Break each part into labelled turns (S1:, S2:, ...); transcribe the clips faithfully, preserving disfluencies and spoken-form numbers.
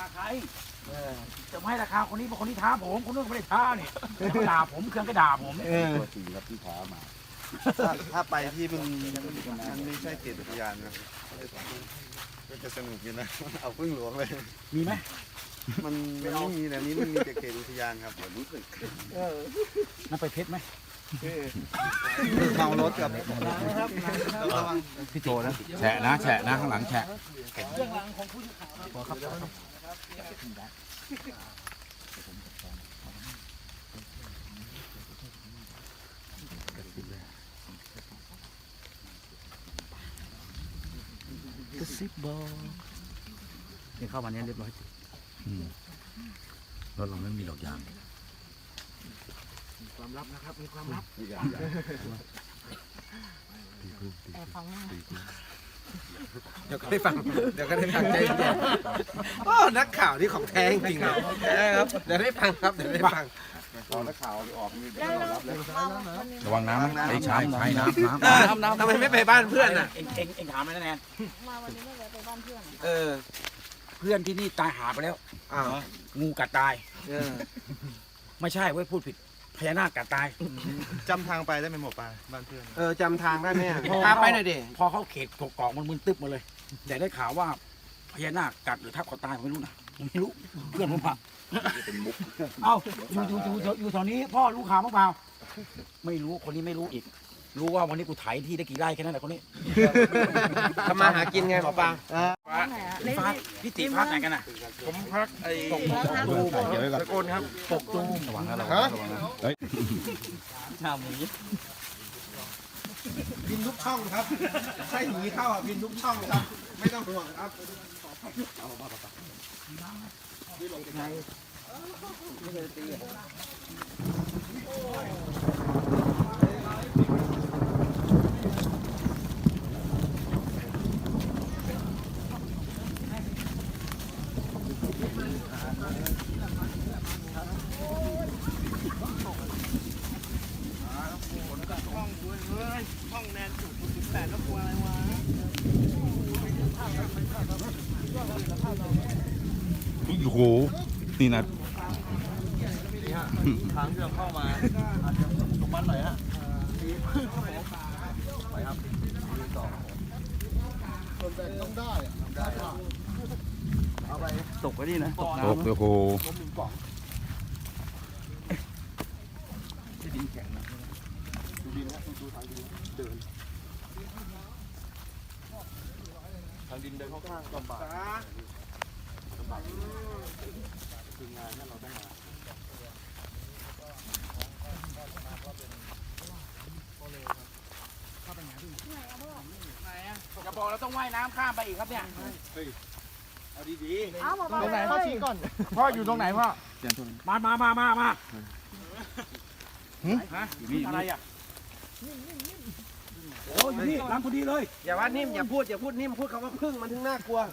S1: ใครจะไม่ให้ราคาคนนี้เพราะคนนี้ท้าผมคนนู้นไม่ได้ท้าเนี่ยเขาด่าผมเครื่องก็ด่าผม
S2: ตัวจริงครับที่ท้ามา
S3: ถ้าถ้าไปที่มันมันไม่ใช่เขตอุทยานนะก็จะสนุกอยู่นะเอาพึ่งหลวงเลย
S1: มีไหม
S3: มันมันไม่มีนะนี้มันมีแต่เขตอุทยานครับเดี๋ยวรู้สึก
S1: นั่นไปเพชรไหม
S3: เมารถกับระวัง
S2: พี่โจนะแฉะนะแฉะนะข้างหลังแฉะ
S1: เรื่องราวของผู้สื่อข่าวพอครับกระซิบบอกยังเข้ามาเนี้ยเรียบร้อยจริง
S2: รถเราไม่มีหลอกยาง
S1: ความลับนะครับมีความลับ
S2: อีกอย่าง
S4: แต่ฟังหน้า
S5: เดี๋ยวก็ได้ฟัง เดี๋ยวก็ได้ฟังใจเย็นโอ้นักข่าวที่ของแท้จริงๆเลยแท้ครับ เดี๋ยวได้ฟังครับ เดี๋ยวได้ฟัง
S3: ตอนนักข่าวออกนี่
S4: แล้ว
S3: ต้อน
S4: เรา
S3: รับเลย
S4: วันนี้
S2: ระวังน้ำนะไอ้ใช้ใช้น้ำน้ำ
S5: เออทำไมไม่ไปบ้านเพื่อนอ่ะ
S1: เอ็งเอ็งเอ็งถามเลยนะแนน
S4: มาวันนี้ไม่แวะไปบ้านเพื่อน
S5: เออ
S1: เพื่อนที่นี่ตายหาไปแล้ว
S5: อ้าว
S1: งูกัดตาย
S5: เออ
S1: ไม่ใช่เว้ยพูดผิดพญานาคกัดตาย
S3: จำทางไปได้ไหมหมอปลาบ้านเพื่อน
S5: เออจำทางได้ไหมอะพาไปหน่อยดิ
S1: พอเขาเขตกกอกมันมึนตึ๊บมาเลยแต่ได้ข่าวว่าพญานาคกัดหรือทับเขาตายผมไม่รู้นะผมไม่รู้เพื่อนผมผ่าเอ้าอยู่อยู่อยู่อยู่อยู่แถวนี้พ่อรู้ข่าวมั้งเปล่าไม่รู้คนนี้ไม่รู้อีก รู้ว่าวันนี้กูไถที่ได้กี่ไร่แค่นั้นแหละคนนี้
S5: ทำมาหากินไงหมอปลา
S4: ไหนอ่ะ
S1: พี่ฟ้าพี่ติพักไหนกันน่ะ
S3: ผมพักไอ้
S1: ตกตูม
S2: เดี๋ยวไว้ก่อน
S3: ตะโกนครับ
S1: ตกตูม
S2: ระวังนะระวังนะระวังนะเฮ้ย
S1: ชาหมู
S5: บินทุกช่องครับใช่หนีเข้าอ่ะบินทุกช่องครับ ไม่ต้องห่วงครับ
S2: โอ้โหนี่นะ
S3: ทางที่เราเข้ามาอาจจะตรงมันหน่อยฮะไปครับต่อคนแบกต้องได้อะได้เอาไป
S1: ตกไปนี่นะตก
S2: โอ้
S1: น้ำ
S2: โห
S3: ล้มหนึ่งกล่อง
S1: ที่ดินแข็งนะ
S3: ดูดินฮะดูทางดินเดินทางดินเดินค่อนข้างลำบากลำบากคืองานเนี่ยเราต้องมา
S1: จะบอกเราต้องว่ายน้ำข้ามไปอีกครับเนี่ย
S3: เอาดีๆ
S4: อ้าวบอกว่า
S3: ตรงไหนพ่อชี้ก่อน
S1: พ่ออยู่ตรงไหนพ่อมามามามามาฮะอะไรอ่ะโอ้อยู่นี่ร้านพอดีเลย
S5: อย่าว่านิ่มอย่าพูดอย่าพูดนิ่มพูดคำว่าพึ่งมันถึงน่ากลัว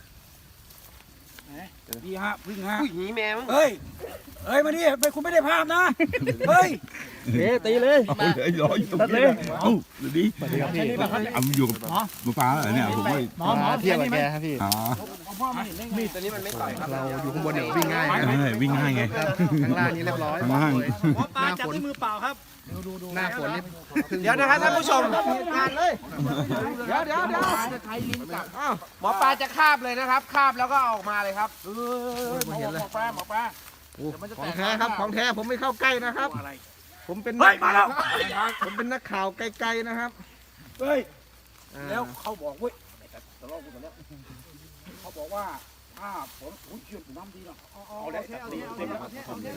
S1: ดีฮะพึ่งฮะ
S5: ผู้หญิงแมว
S1: เฮ้ยเฮ้ยมาดิไปคุณไม่ได้ภาพนะเฮ้ย
S2: เฮ้ตีเลยเอาเลยรออยู่ตรงนี้เอ้าดูดิเอาอยู่กับหมูปลาเหรอเนี่ยผมว่า
S1: หมอหมอเที่ยวกับแกครับพี่
S2: อ๋อ
S1: พ่อมาเห็นได้ไง
S5: มีดตัวนี้มันไม่ต่อยครับ
S3: เราอยู่ข้างบนเดี๋ยววิ่งง่าย
S2: เออวิ่งง่ายไง
S3: ข้างล่างนี้เรียบร้อย
S2: ข้างล่าง
S1: หมอปลาจับด้วยมือเปล่าครับ
S3: หน้าฝนนี่
S5: เดี๋ยวนะครับท่านผู้ชมงานเลย
S1: เดี๋ยวเดี๋ยวเดี๋ยวไทยลิ้นจับ
S5: อ้าวหมอปลาจะคาบเลยนะครับคาบแล้วก็เอาออกมาเลยครับ
S1: เออหมอหมอปลาหมอปลา
S3: ของแท้ครับของแท้ผมไม่เข้าใกล้นะครับ
S1: อะไร
S3: ผมเป็น
S1: เฮ้ยมาแล้ว
S3: ผมเป็นนักข่าวไกลๆนะครับ
S1: เฮ้ยแล้วเขาบอกเว้ยตลอดกูตลอดเขาบอกว่าถ้าผมอุ้ยเชื่อมน้ำดีเนาะเอาเลยเอาเลยเอาเลยเอาเลย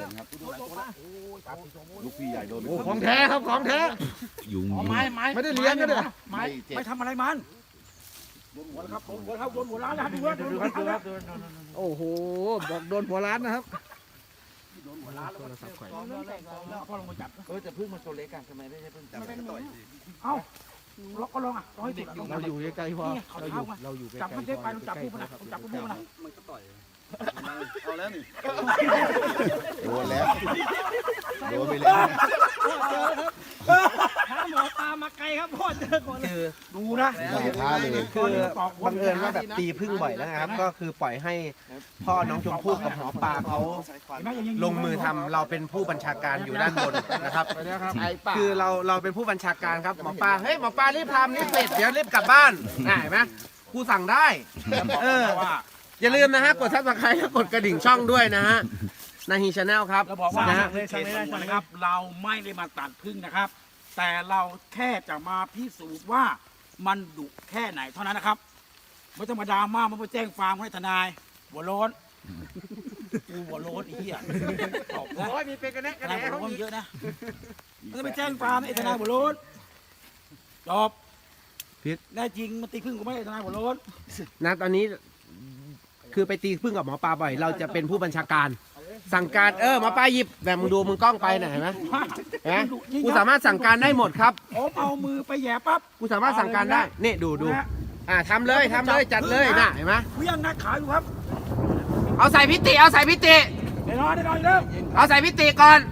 S2: ลูกพี่ใหญ่โดน
S3: โอ้ของแท้ครับของแท้
S2: ยุง
S1: ไม้ไม้
S3: ไม่ได้เลี้ยงกันเลย
S1: ไม้ไม่ทำอะไรมันโดนหัวครับโดนหัวครับโดนหัวร้านนะดูว่าดูครับดูครับ
S3: โอ้โหบอกโดนหัวร้านนะครับ
S1: โดนหัวร้านแล้วก็สับไข่พ่อลงมาจับ
S5: เออแต่พึ่งมันตัวเล็กกันทำไมไม่ใช่พึ่งจับ
S1: เอ้าเราก็ลองอ่ะร้อยติดอยู่
S3: เราอยู่ใกล้ๆพ่อ
S1: นี่เขาเท้ามา
S3: เราอยู่ใกล้ๆ
S1: จับมันได้ไปมันจับพวกมันนะจับพวกมันนะ
S3: เอาแล้วนี่โดนแล้วโดนไปแล้ว
S6: หมอปลามาไกลครับพ่อเจอคน
S5: คือ
S1: ดูนะ
S3: ท้าเลย
S5: คือบังเอิญว่าแบบตีพึ่งบ่อยแล้วนะครับ ก็คือปล่อยให้พ่อน้องชมพู่กับหมอปลาเขาลงมือทำเราเป็นผู้บัญชาการอยู่ด้านบนนะครับคือเราเราเป็นผู้บัญชาการครับหมอปลาเฮ้ยหมอปลารีบทำรีบเสร็จเดี๋ยวรีบกลับบ้านอ่ะเห็นไหมครูสั่งได้เอออย่าลืมนะฮะกดซับสไครต์และกดกระดิ่งช่องด้วยนะฮะนาฮีชาแนลครับ
S1: เราบอกว่า
S5: นะฮะ
S1: เขตสงวนนะครับ เราไม่ได้มาตัดพึ่งนะครับ แต่เราแค่จะมาพิสูจน์ว่ามันดุแค่ไหนเท่านั้นนะครับไม่ต้องมาดราม่าไม่ต้องแจ้งความให้ทนายหัวโล้นกูหัวโล้นไอ้เหี้ยตอบนะ
S5: โอ้ยมีเป็นกันแน่
S1: ท
S5: กัน
S1: นาย
S5: แน่
S1: หัว
S5: เขา
S1: โล้น
S5: มี
S1: เยอะนะไม่ต้องไปแจ้งความไอ้ทนายหัวโล้นจบแน่จริงมันตีพึ่งกูไม่ได้ทนายหัวโล้น
S5: นะตอนนี้คือไปตีพึ่งกับหมอปลาบ่อย เราจะเป็นผู้บัญชาการ สั่งการเออหมอปลาหยิบแบบมึงดูมึงกล้องไปหน่อยเห็นไหมเห็นไหมกูสามารถสั่งการได้หมดครับ
S1: ผมเอามือไปแหย่ปั๊บ
S5: กูสามารถสั่งการได้นี่ดูดูอ่าทำเลยทำเลยจัดเลยน่ะเห็นไหม
S1: กูยังนักขายอยู่ครับ
S5: เอาใส่พิติเอาใส่พิติ
S1: แน่นอนแน่นอนอยู่แล้ว
S5: เอาใส่พิติก่อน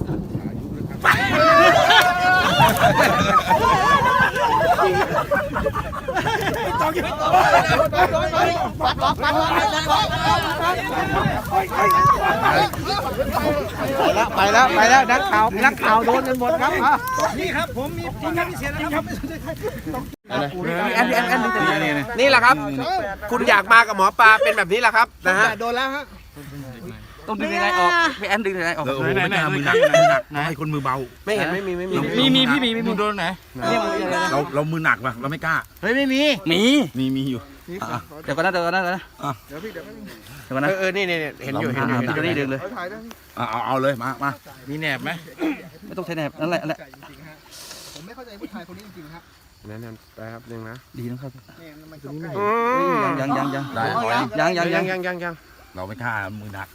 S3: ไปแล้วไปแล้วนักข่าวนักข่าวโดนกันหมดครับ
S1: นี่ครับผมมีจริงครับพิเศษนะครับ
S5: แอนแอนแอนนี่แหละครับ คุณอยากมากับหมอปลาเป็นแบบนี้แหละครับนะฮะ
S3: โดนแล้วฮะ
S6: ต้องดึงยังไงออกพี่แอนดึงยังไงออก
S2: แล้วโอ้โหไม่กล้ามือหนักมือหนักต้องให้คนมือเบา
S5: ไม่เห็นไม่มีไม่มี
S6: มีมีพี่มีมีโดนไหน
S2: เราเรามือหนักว่ะเราไม่กล้า
S6: เฮ้ยไม่มีมี
S2: มีมีอยู่
S6: เดี๋ยวก่อนนะเดี๋ยวก่อนนะเดี๋ยวนะเดี๋ยวก่อนนะ
S5: เออเออนี่นี่เห็นอยู่เห็นอยู่เห็นอยู่
S6: เดี๋ยวนี่ดึงเลย
S2: เอาเอาเอาเลยมามา
S6: มีแหนบไหมไม่ต้องใช้แหนบนั่นแหละนั่นแหละ
S5: นั่นนั่นไปครับนึงนะ
S6: ดีนะครับ
S5: อืม
S6: ยังยังยัง
S2: ได้พอยัง
S6: ยังยัง
S5: ยั
S6: ยัง ง
S5: ยังยังยัง
S2: เราไม่กล้ามือหนัก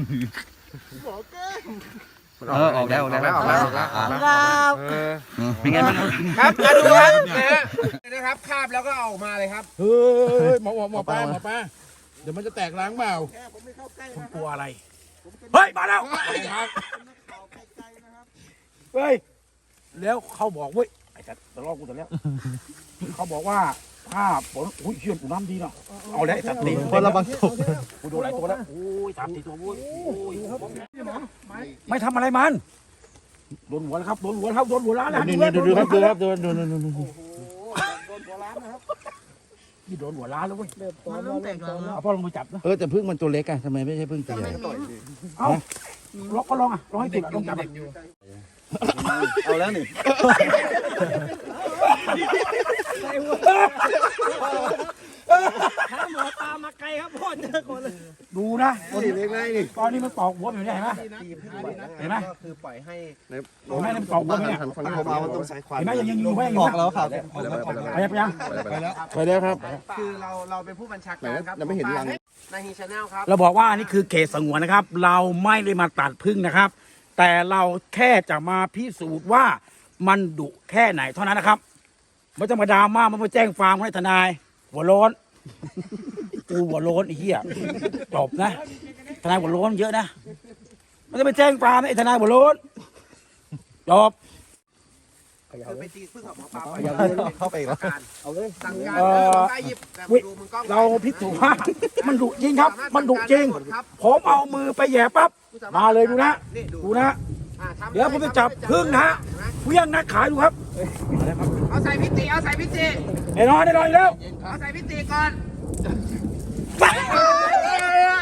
S6: เออออกแล้วออกแล้ว
S5: ออกแล้วออกแล้วออกแล้วเออ
S6: เป็นไงบ้าง
S5: ครับมาดูครับนะฮะนะครับคาบแล้วก็เอาออกมาเลยครับ
S2: เฮ้ยหมอหมอปลาหมอปลาเดี๋ยวมันจะแตกล้างเปล่า
S1: คุณกลัวอะไร เฮ้ย มาแล้วเฮ้ย แล้วเขาบอกเว้ย ไอ้สัตว์ตะลอกกูแต่แล้ว เขาบอกว่าถ้าฝนอุ้ยเชื่อนกูน้ำดีเนาะ เอาแล้วไอ้สัตว์ตี
S3: พอระวังตก
S1: กูโดนหลายตัวแล้วโอ้ยสามสี่ตัวโว้ยโอ้ยไม่ทำอะไรมัน โดนหัวแล้วครับ โดนหัวแล้วครับ โดนหัวล้านแล้ว
S2: นี่นี่ดูดูครับดูครับดูดูดูดู
S1: นี่โดนหัวล้านแล้วเว้ยเอาพ่อลงไปจับนะ
S2: เออแต่พึ่งมันตัวเล็กอะทำไมไม่ใช่พึ่งตัวใหญ่
S1: เอ้าลองก็ลองอ่ะลองให้สุดลองจับอ่ะ
S3: เอาแล้วนี่
S6: หมอปลามาไกลครับพ่อเจอคนเลย
S1: ดูนะ
S3: นี่เล็กไงนี่
S1: ตอนนี้มันตอกหัวอยู่เนี่ยเห็นไหม
S5: ตีพึ่งบ่อยแล้ว
S1: เห็นไหม
S5: ก็คือปล่อยให้
S1: เห็นไหมมันตอกหัวอยู่เนี่ย
S3: คนที่ผมเอามันต้องใช้ความ
S1: เห็นไหมยังยังอยู่ไหมยังอ
S3: อยู่ อกแล้วครับ
S1: ไปยังไปยัง
S2: ไปแล้วครับ
S5: คือเราเราเป็นผู้บัญชาการครับ
S3: ยังไม่เห็นรัง
S5: นาฮีชาแนลครับ
S1: เราบอกว่านี่คือเขตสงวนนะครับ เราไม่ได้มาตัดพึ่งนะครับ แต่เราแค่จะมาพิสูจน์ว่ามันดุแค่ไหนเท่านั้นนะครับไม่ต้องมาดราม่าไม่ต้องแจ้งความให้ทนายหัวโล้นกูหัวโล้นไอ้เหี้ยจบนะทนายหัวโล้นเยอะนะไม่ต้องไปแจ้งความไอ้ทนายหัวโล้นจบ
S5: คือไปตีพึ่งกับหมอปลา
S3: เข้าไปแล้ว
S5: เอาเลยสั่งการ
S1: เอ่
S5: เอ
S1: อ
S5: อไปหยิบแบบดูมึงกล้อง
S1: เราพิสูจน์ว่ามันดุจริงครับ มันดุจริง ผมเอามือไปแหย่ปั๊บมาเลยดูนะดูนะ
S5: อ่าทำ
S1: เดี๋ยวผมจะจับพึ่งนะเพี้ยงนักขายดูครับ
S5: เอาใส่พิติเอาใส่พิติ
S1: แน่นอนแน่นอนอยู่แล้ว
S5: เอาใส่พิติก่อน
S1: ไป
S5: เออ